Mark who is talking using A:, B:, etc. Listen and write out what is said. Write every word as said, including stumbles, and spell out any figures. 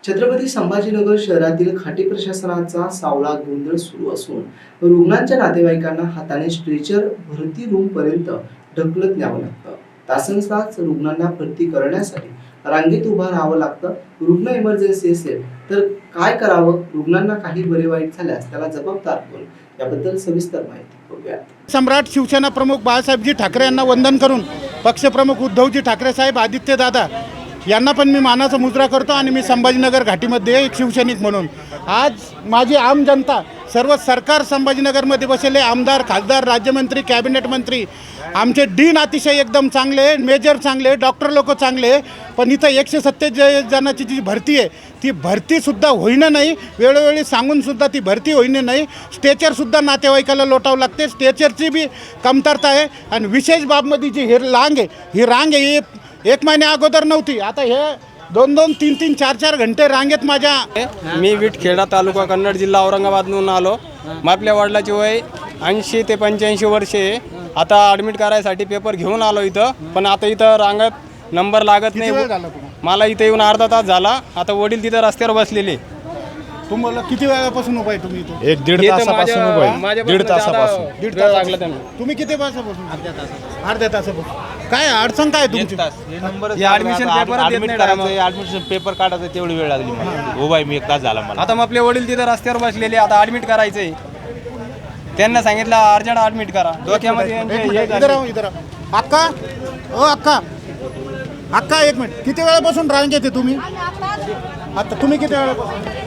A: छत्रपती संभाजीनगर शहरातील खाटी प्रशासनाचा सावळा गोंधळ सुरू असून रुग्णांच्या नातेवाईकांना हाताने स्ट्रेचर भरती रूम पर्यंत ढकलत न्यावं लागतं। तासनतास रुग्णांना भरती करण्यासाठी रांगेत उभं राहावं लागतं। रुग्ण इमर्जन्सी असेल तर काय करावं, रुग्णांना काही बरे वाईट झाल्यास त्याला जबाबदार कोण, याबद्दल सविस्तर माहिती बघूया।
B: सम्राट शिवसेना प्रमुख बाळासाहेबजी ठाकरे यांना वंदन करून पक्षप्रमुख उद्धवजी ठाकरे साहेब, आदित्य दादा यांना पण मी मानाचा मुजरा करतो आणि मी संभाजीनगर घाटीमध्ये एक शिवसैनिक म्हणून आज माझी आम जनता, सर्व सरकार संभाजीनगरमध्ये बसलेले आमदार, खासदार, राज्यमंत्री, कॅबिनेट मंत्री, आमचे डीन अतिशय एकदम चांगले, मेजर चांगले, डॉक्टर लोक चांगले, पण इथं एकशे सत्तेचाळीस जणांची जी भरती आहे ती भरतीसुद्धा होईना नाही, वेळोवेळी सांगूनसुद्धा ती भरती होईना नाही। स्ट्रेचरसुद्धा नातेवाईकाला लोटावं लागते, स्ट्रेचरची बी कमतरता आहे। आणि विशेष बाबमध्ये जी ही रांग आहे, ही रांग आहे ही एक महिन्या अगोदर नव्हती, आता हे दोन दोन तीन तीन चार चार घंटे रांगेत माझ्या।
C: मी विटखेडा तालुका कन्नड जिल्हा औरंगाबादहून आलो। मग आपल्या वडिलाची वय ऐंशी ते पंच्याऐंशी वर्षे, आता ॲडमिट करायसाठी पेपर घेऊन आलो इथं, पण आता इथं रांगत नंबर लागत नाही। मला इथं येऊन अर्धा तास झाला, आता वडील तिथं रस्त्यावर बसलेले।
B: तुम्हाला किती वेळापासून उभा आहे तुम्ही इथं?
D: एक दीड तासापासून उभा आहे, दीड तासापासून
B: दीड तास लागला त्यांना। तुम्ही किती तासापासून? अर्ध्या तासापासून। अर्ध्या तासापासून काय अडचण काय तुमची?
C: ॲडमिशन पेपर
D: ॲडमिट करायचं, ॲडमिशन पेपर काढायचं, तेवढी वेळ लागली मला। उभा आहे मी, एक तास झाला मला।
C: आता मग आपले वडील तिथं रस्त्यावर बसलेले, आता ॲडमिट करायचंय। त्यांना सांगितलं अर्जंट ॲडमिट करा। डोक्यामध्ये यांचे हे
B: इधर
C: झाले।
B: आओ, इधर आओ। अक्का, ओ अक्का, अक्का एक मिनिट, किती वेळापासून रांगेत आहे तुम्ही? आता तुम्ही किती वेळापासून?